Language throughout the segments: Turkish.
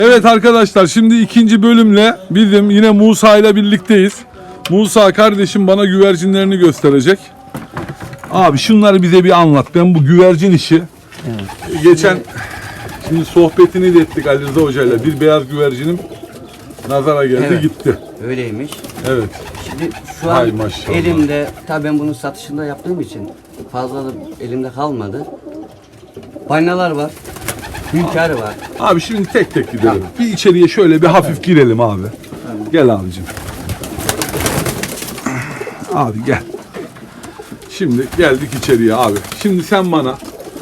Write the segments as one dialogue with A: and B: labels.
A: Evet arkadaşlar, şimdi ikinci bölümle bizim yine Musa ile birlikteyiz. Musa kardeşim bana güvercinlerini gösterecek. Abi şunları bize bir anlat. Ben bu güvercin işi geçen şimdi sohbetini de ettik Ali Rıza Hoca ile. Bir beyaz güvercinim nazara geldi gitti.
B: Öyleymiş.
A: Evet.
B: Şimdi şu an
A: Hay maşallah.
B: elimde, tabii ben bunun satışında yaptığım için fazla da elimde kalmadı. Balinalar var. Hünkârı var.
A: Abi şimdi tek tek gidelim. Bir içeriye şöyle bir hafif girelim abi. Gel abicim. Abi gel. Şimdi geldik içeriye abi. Şimdi sen bana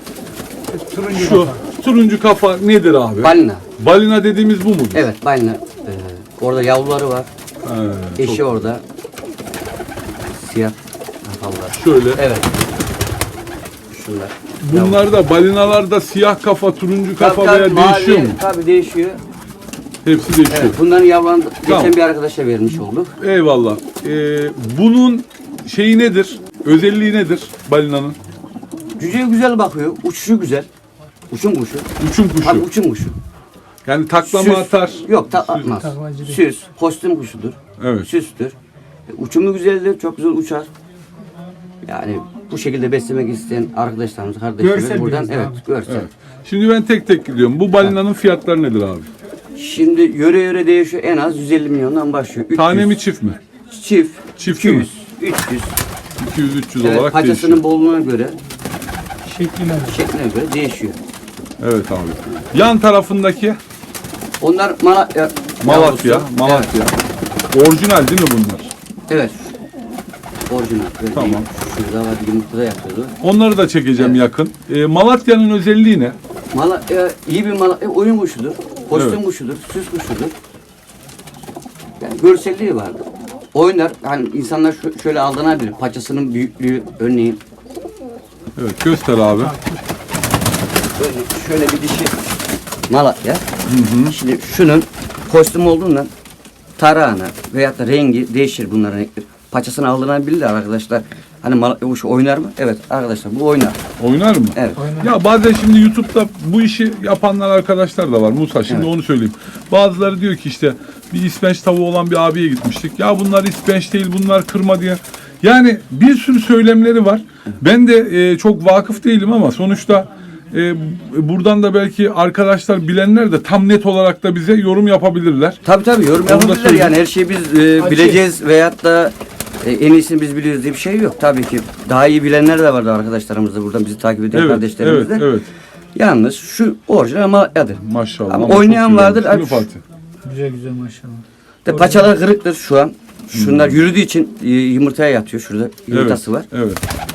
A: şu turuncu kafa nedir abi?
B: Balina.
A: Balina dediğimiz bu mudur?
B: Evet, balina. Orada yavruları var. Eşi
A: çok-
B: orada. Siyah kafalılar.
A: Şöyle.
B: Evet. Şunlar.
A: Bunlar da balinalarda siyah kafa, turuncu kafa veya değişiyor mu?
B: Tabii değişiyor.
A: Hepsi değişiyor.
B: Evet, bunların yavrularını
A: Tamam.
B: geçen bir arkadaşa vermiş olduk.
A: Eyvallah. Bunun şeyi nedir? Özelliği nedir balinanın?
B: Cüceye güzel bakıyor, uçuşu güzel. Uçum kuşu.
A: Uçum kuşu.
B: Tabii uçum kuşu.
A: Yani taklama atar.
B: Yok, atmaz. Süs, kostüm kuşudur.
A: Evet.
B: Süstür. Uçumu güzeldir, çok güzel uçar. Yani bu şekilde beslemek isteyen arkadaşlarımız, kardeşlerimiz
C: Görsel
B: buradan
C: biraz abi.
B: görsel.
A: Evet. Şimdi ben tek tek gidiyorum. Bu balinanın fiyatları nedir abi?
B: Şimdi yöre değişiyor, en az 150 milyondan başlıyor. 300,
A: Tane mi çift mi?
B: Çift.
A: Çift
B: 200,
A: mi?
B: 300.
A: 200-300
B: Evet,
A: olarak
B: paçasının
A: değişiyor.
B: bolluğuna göre,
C: Şekline
B: göre değişiyor.
A: Evet abi. Yan tarafındaki
B: Onlar Malatya.
A: Malatya.
B: yavrusu.
A: Malatya. Orijinal değil mi bunlar?
B: Evet. Orijinal. Böyle
A: Tamam.
B: değil. Şurada var, yumurtada yapıyordu.
A: Onları da çekeceğim yakın. Malatya'nın özelliği ne?
B: Malatya iyi bir Malatya oyun kuşudur. Kostüm
A: Evet.
B: kuşudur, süs kuşudur. Yani görselliği vardır. Oynar, hani insanlar şöyle aldanabilir. Paçasının büyüklüğü örneğin.
A: Evet göster abi.
B: Örneğin şöyle bir dişi Malatya. Şimdi şunun kostüm olduğundan tarağına veyahut da rengi değişir bunların renkleri. Paçasını aldanabilirler arkadaşlar. Hani Malatya kuşu oynar mı? Evet arkadaşlar bu oynar.
A: Oynar mı?
B: Evet.
A: Ya bazen şimdi YouTube'da bu işi yapanlar arkadaşlar da var Musa. Şimdi onu söyleyeyim. Bazıları diyor ki işte bir ispenç tavuğu olan bir abiye gitmiştik. Ya bunlar ispenç değil, bunlar kırma diye. Yani bir sürü söylemleri var. Ben de çok vakıf değilim ama sonuçta buradan da belki arkadaşlar bilenler de tam net olarak da bize yorum yapabilirler.
B: Tabii yorum
A: da
B: yapabilirler
A: söyleyeyim.
B: yani her şeyi biz bileceğiz veyahut da en iyisini biz biliyoruz diye bir şey yok. Tabii ki daha iyi bilenler de vardı arkadaşlarımız da buradan bizi takip eden kardeşlerimiz de.
A: Evet.
B: Yalnız şu orijinal Malatya'dır.
A: Maşallah.
B: Ama
A: çok
B: oynayan
A: güzel.
B: vardır.
A: Şunu Fatih.
C: Güzel maşallah.
B: De paçalar kırıktır şu an. Şunlar yürüdüğü için yumurtaya yatıyor. Şurada yumurtası var.
A: Evet.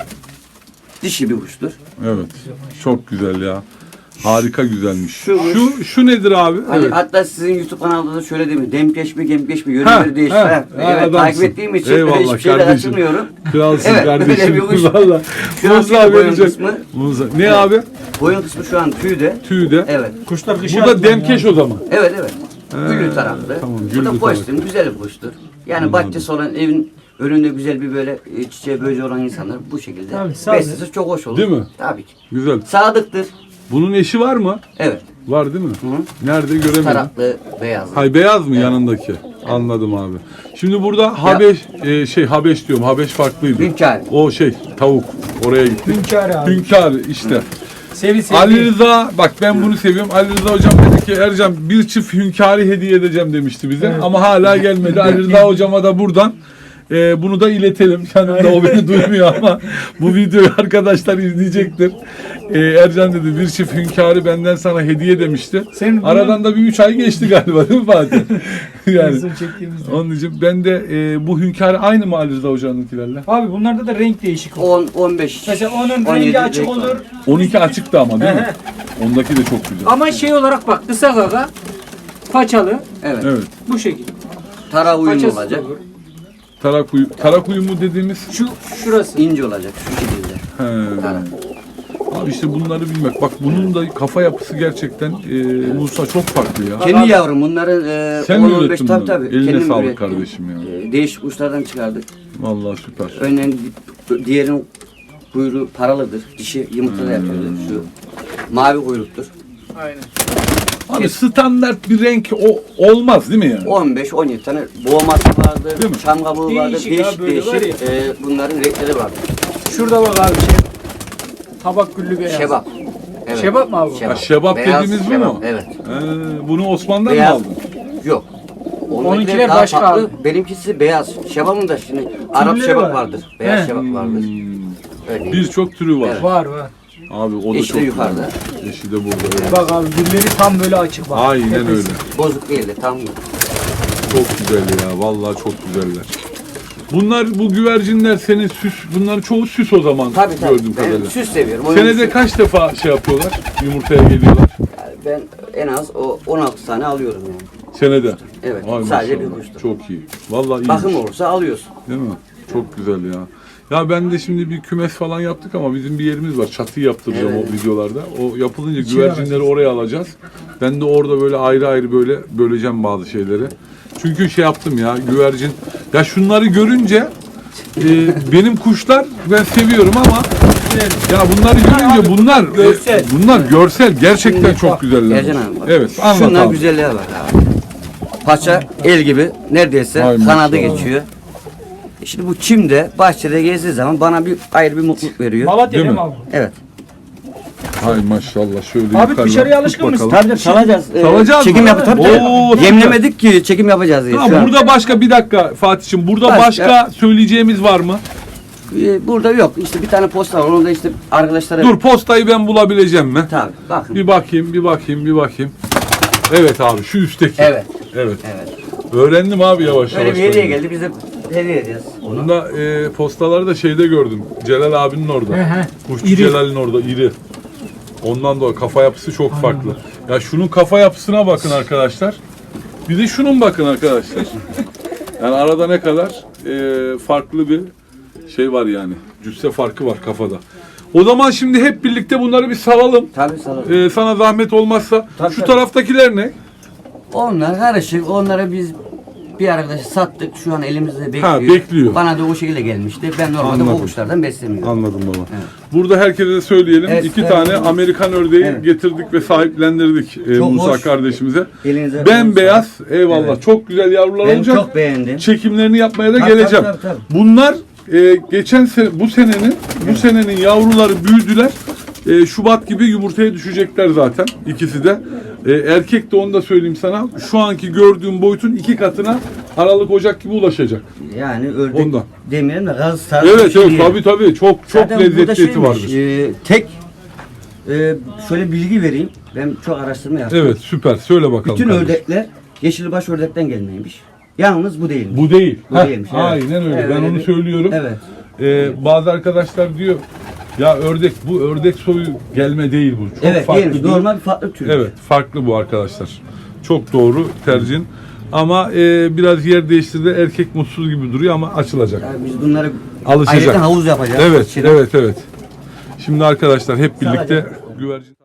B: Dişi bir kuştur.
A: Evet. Çok güzel ya. Harika güzelmiş.
B: Şu-
A: Şu nedir abi?
B: Hani
A: Evet.
B: hatta sizin YouTube kanalında da şöyle değil mi? Demkeş mi, gemkeş mi?
A: Ha,
B: Yöreleri değişti.
A: ha,
B: Evet,
A: adamsın.
B: takip ettiğim için
A: Eyvallah
B: hiçbir şeyle
A: kardeşim.
B: kaçırmıyorum.
A: Kralsın
B: Evet,
A: kardeşim.
B: öyle bir kuş.
A: Valla.
B: Şu an
A: Musa
B: boyun
A: verecek.
B: kısmı.
A: Musa. Ne abi?
B: Boyun kısmı şu an tüyde.
A: Tüyde.
B: Evet.
C: Kuşlar kışa
A: Bu da
C: atmıyor
A: demkeş
C: ya.
A: o zaman.
B: Evet. Güllü taraflı.
A: tamam,
B: Bu
A: güllü
B: da kostüm, güzel bir kuştur. Yani bahçesi olan evin önünde güzel bir böyle çiçeği böceği olan insanlar bu şekilde
C: Tabii, sade.
B: beslesi çok hoş olur.
A: Değil mi?
B: Tabii ki.
A: Güzel.
B: Sadıktır.
A: Bunun eşi var mı?
B: Evet.
A: Var değil mi?
B: Hı.
A: Nerede göremedim.
B: Taraklı, beyazlı.
A: Hay beyaz mı yanındaki? Anladım abi. Şimdi burada Habeş Habeş diyorum. Habeş farklıydı.
B: Hünkâr.
A: O tavuk. Oraya gittik.
C: Hünkâr abi.
A: Hünkâr işte.
C: Sevi.
A: Ali Rıza bak ben bunu seviyorum. Ali Rıza hocam dedi ki Ercan bir çift hünkârı hediye edeceğim demişti bize.
C: Evet.
A: Ama hala gelmedi. Ali Rıza hocama da buradan bunu da iletelim. Yanımda o beni duymuyor ama bu videoyu arkadaşlar izleyecektir. Ercan dedi bir çift hünkârı benden sana hediye demişti.
C: Senin bunu-
A: Aradan da bir 3 ay geçti galiba değil mi Fatih? Yani
C: Bizim çektiğimizde.
A: onun için ben de bu hünkârı aynı mı Ali Rıza hocanınkilerle?
C: Abi bunlarda da renk değişik olur.
B: 10-15.
C: Mesela onun
B: 17
C: rengi açık
B: renk var.
C: olur.
A: 12 açıktı ama değil mi?
C: Ehe.
A: Ondaki de çok güzel.
C: Ama şey olarak bak kısa gaga, paçalı
B: Evet.
A: Evet.
C: bu şekilde.
B: Tara uyumlu
C: Paçası da
B: olacak.
C: olur.
A: Tarak uyumu dediğimiz
C: Şurası.
B: İnce olacak şu şekilde.
A: he.
B: Tara.
A: Abi işte bunları bilmek. Bak bunun da kafa yapısı gerçekten Musa çok farklı ya.
B: Kendi yavrum bunların
A: Sen mi
B: 10-15
A: ürettin
B: tabii
A: bunu?
B: tabii.
A: Eline
B: kendim
A: sağlık
B: ürettim.
A: kardeşim ya.
B: Değişik kuşlardan çıkardık.
A: Vallahi süper.
B: Örneğin diğerinin kuyruğu paralıdır. Dişi yumurtada yatıyordu. Şu mavi kuyruktur.
C: Aynen.
A: Abi standart bir renk olmaz değil mi yani?
B: 15-17 tane boğması vardı,
A: Değil mi?
B: çam kabuğu vardı,
C: Değişik ya, böyle var
B: değişik bunların renkleri vardı.
C: Şurada bak abi tabak güllü beyaz.
B: Şebap. Evet.
C: Şebap mı abi?
A: Ha, şebap
B: Beyaz
A: dediğimiz bu
B: şebap,
A: mu?
B: Evet.
A: Bunu Osman'dan mı
B: Beyaz.
A: aldın?
B: Yok.
C: Onunkiler
B: daha
C: başka
B: farklı.
C: abi.
B: Benimkisi beyaz. Şebap'ın da şimdi Arap
C: Türleri
B: şebap
C: var.
B: vardır. Beyaz
C: He.
B: şebap vardır. Öyle.
A: Birçok türü var.
B: Evet.
C: Var.
A: Abi o da
B: Yeşili
A: çok
B: yukarıda.
A: güzel. Yeşili de burada. Evet.
C: Bak abi gülleri tam böyle açık bak.
A: Aynen
C: Tepesi.
A: öyle.
B: Bozuk değildi tam.
A: Çok güzel ya. Vallahi çok güzeller. Bunlar bu güvercinler senin süs, bunların çoğu süs o zaman
B: Tabii
A: gördüğüm
B: Ben
A: kadarıyla.
B: süs seviyorum. Oyun
A: Senede
B: süs.
A: kaç defa şey yapıyorlar? Yumurtaya geliyorlar.
B: Ben en az 16 tane alıyorum yani.
A: Senede.
B: Evet,
A: Ay
B: sadece
A: maşallah.
B: bir kuştur.
A: Çok iyi. Vallahi iyi.
B: Bakım olursa alıyorsun.
A: Değil mi? Çok güzel ya. Ya ben de şimdi bir kümes falan yaptık ama bizim bir yerimiz var. Çatıyı yaptıracağım
B: Evet.
A: o videolarda. O yapılınca güvercinleri oraya alacağız. Ben de orada böyle ayrı ayrı böyle böleceğim bazı şeyleri. Çünkü şey yaptım ya güvercin. Ya şunları görünce benim kuşlar ben seviyorum ama ya bunları görünce bunlar
C: görsel.
A: bunlar görsel gerçekten
B: Şimdi
A: çok
B: bak,
A: güzeller.
B: Ercan abi bak.
A: Evet anlat
B: Şunlar
A: abi.
B: güzelliğe bak abi. Paça el gibi neredeyse
A: Ay
B: kanadı
A: maşallah.
B: geçiyor. Şimdi bu çimde bahçede gezdiği zaman bana bir ayrı bir mutluluk veriyor.
C: Malatya
A: Değil
C: değil
A: mi?
C: mi abi?
B: Evet.
A: Hay maşallah şöyle
C: Abi
A: yukarıdan
C: dışarıya
A: tut
C: alışkın mısın?
A: bakalım.
B: Tabii salacağız.
A: Salacağız
B: çekim
A: mı?
B: yapı tabii.
A: Oo, süper.
B: Yemlemedik ki çekim yapacağız diye.
A: Ha,
B: şu an.
A: burada başka bir dakika Fatih'im. Burada
B: Başka-
A: başka söyleyeceğimiz var mı?
B: Burada yok. İşte bir tane posta var. Onu da işte arkadaşlara...
A: Dur postayı ben bulabileceğim mi?
B: Tabii. Bakın.
A: Bir bakayım. Evet abi şu üstteki.
B: Evet.
A: Evet.
B: Evet.
A: Öğrendim abi yavaş
B: Böyle
A: yavaş.
B: bir hediye
A: ben de.
B: geldi. Biz de hediye edeceğiz. Onu.
A: Bunda postaları da şeyde gördüm. Celal abinin orada.
C: He.
A: Kuşçu
C: İri.
A: Celal'in orada iri. Ondan dolayı kafa yapısı çok farklı. Ya şunun kafa yapısına bakın arkadaşlar. Bir de şunun bakın arkadaşlar. Yani arada ne kadar farklı bir şey var yani. Cüsse farkı var kafada. O zaman şimdi hep birlikte bunları bir salalım.
B: Tabii salalım.
A: Sana zahmet olmazsa.
B: Tabii,
A: Şu
B: tabii.
A: taraftakiler ne?
B: Onlar karışık. Onlara biz bir arkadaşı sattık. Şu an elimizde bekliyor.
A: Ha, bekliyor.
B: Bana da o şekilde gelmişti. Ben normalde
A: Anladım.
B: bu kuşlardan beslemiyorum.
A: Anladım baba.
B: Evet.
A: Burada herkese de söyleyelim.
B: Evet,
A: 2
B: evet.
A: tane Amerikan ördeği
B: Evet.
A: getirdik ve sahiplendirdik
B: Çok
A: Musa
B: hoş.
A: kardeşimize.
B: Elinize
A: Bembeyaz. Eyvallah.
B: Evet.
A: Çok güzel yavrular
B: Ben
A: olacak.
B: çok beğendim.
A: Çekimlerini yapmaya da
B: Tabii,
A: geleceğim.
B: tabii.
A: Bunlar geçen sene bu senenin yavruları büyüdüler. Şubat gibi yumurtaya düşecekler zaten ikisi de. Erkek de onu da söyleyeyim sana. Şu anki gördüğüm boyutun 2 katına Aralık Ocak gibi ulaşacak.
B: Yani ördek
A: Ondan.
B: demeyelim de gaz tarzı
A: Evet
B: bir şey değil.
A: tabii çok
B: Zaten burada
A: lezzetli eti
B: şeymiş,
A: vardır.
B: tek şöyle bilgi vereyim. Ben çok araştırma yaptım.
A: Evet süper. Söyle bakalım.
B: Bütün
A: kardeşim.
B: ördekler yeşilbaş ördekten gelmeymiş. Yalnız bu değilmiş.
A: Bu değil.
B: Bu
A: Heh,
B: değilmiş, evet.
A: Aynen öyle.
B: Evet,
A: Ben
B: öyle
A: onu
B: bir-
A: söylüyorum.
B: Evet.
A: Bazı arkadaşlar diyor ya bu ördek soyu gelme değil bu. Çok
B: Evet
A: farklı
B: değilmiş.
A: bir-
B: Normal bir farklı tür.
A: Evet farklı bu arkadaşlar. Çok doğru tercihin. Ama biraz yer değiştirdi. Erkek mutsuz gibi duruyor ama açılacak.
B: Yani biz bunları
A: Alışacak.
B: ayrıca havuz yapacağız.
A: Evet,
B: İçine.
A: evet. Şimdi arkadaşlar hep birlikte güvercin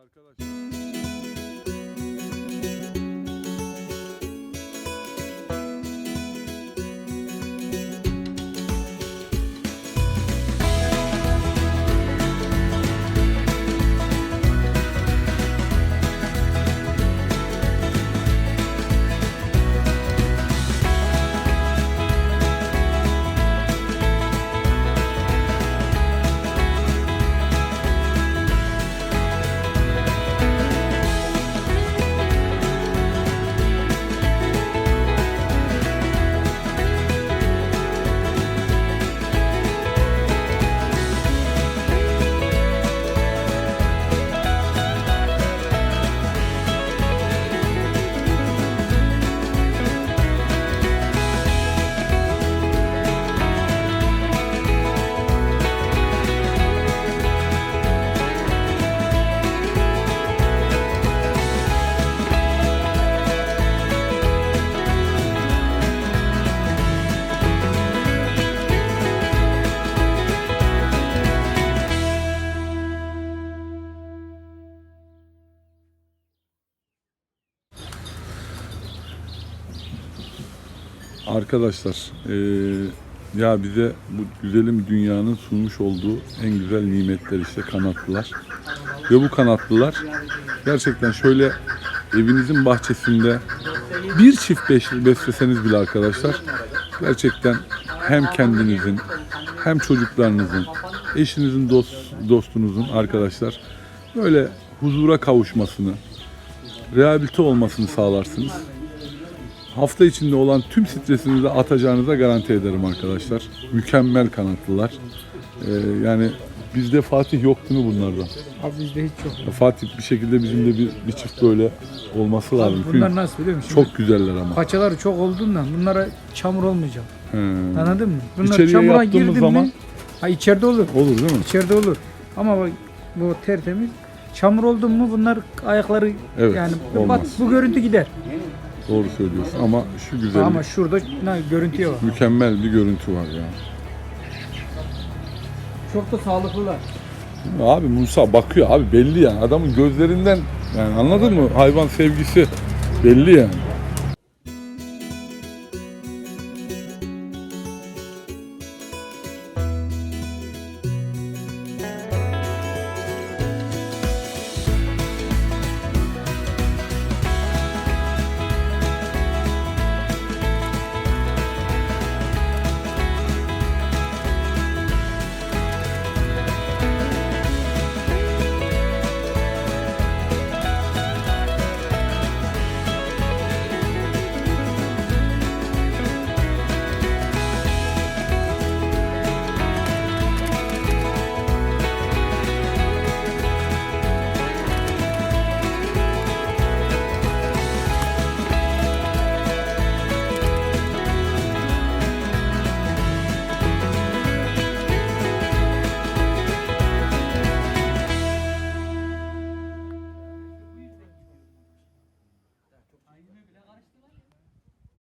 A: arkadaşlar ya bize bu güzelim dünyanın sunmuş olduğu en güzel nimetler işte kanatlılar. Ve bu kanatlılar gerçekten şöyle evinizin bahçesinde bir çift besleseniz bile arkadaşlar gerçekten hem kendinizin hem çocuklarınızın, eşinizin, dostunuzun arkadaşlar böyle huzura kavuşmasını, rehabilite olmasını sağlarsınız. Hafta içinde olan tüm stresinizi atacağınıza garanti ederim arkadaşlar. Mükemmel kanatlılar. Yani bizde Fatih yok değil mi bunlardan?
C: Abi bizde hiç yok.
A: Ya Fatih bir şekilde bizim de bir çift böyle olması
C: Abi
A: lazım.
C: bunlar
A: Çünkü
C: nasıl biliyor musun?
A: çok güzeller ama.
C: Paçaları çok olduğundan bunlara çamur olmayacak.
A: He.
C: Anladın mı? Bunlar
A: İçeriye
C: çamura
A: yaptığımız
C: girdin
A: zaman-
C: mi? Ha içeride olur.
A: Olur değil mi?
C: İçeride olur. Ama bak bu tertemiz. Çamur oldu mu bunlar ayakları
A: Evet,
C: yani
A: olmaz.
C: bu görüntü gider.
A: Doğru söylüyorsun ama şu güzellik,
C: Ama şurada görüntüye var.
A: mükemmel bir görüntü var ya.
C: Çok da sağlıklılar.
A: Abi Musa bakıyor abi belli yani adamın gözlerinden yani anladın mı? Hayvan sevgisi belli yani.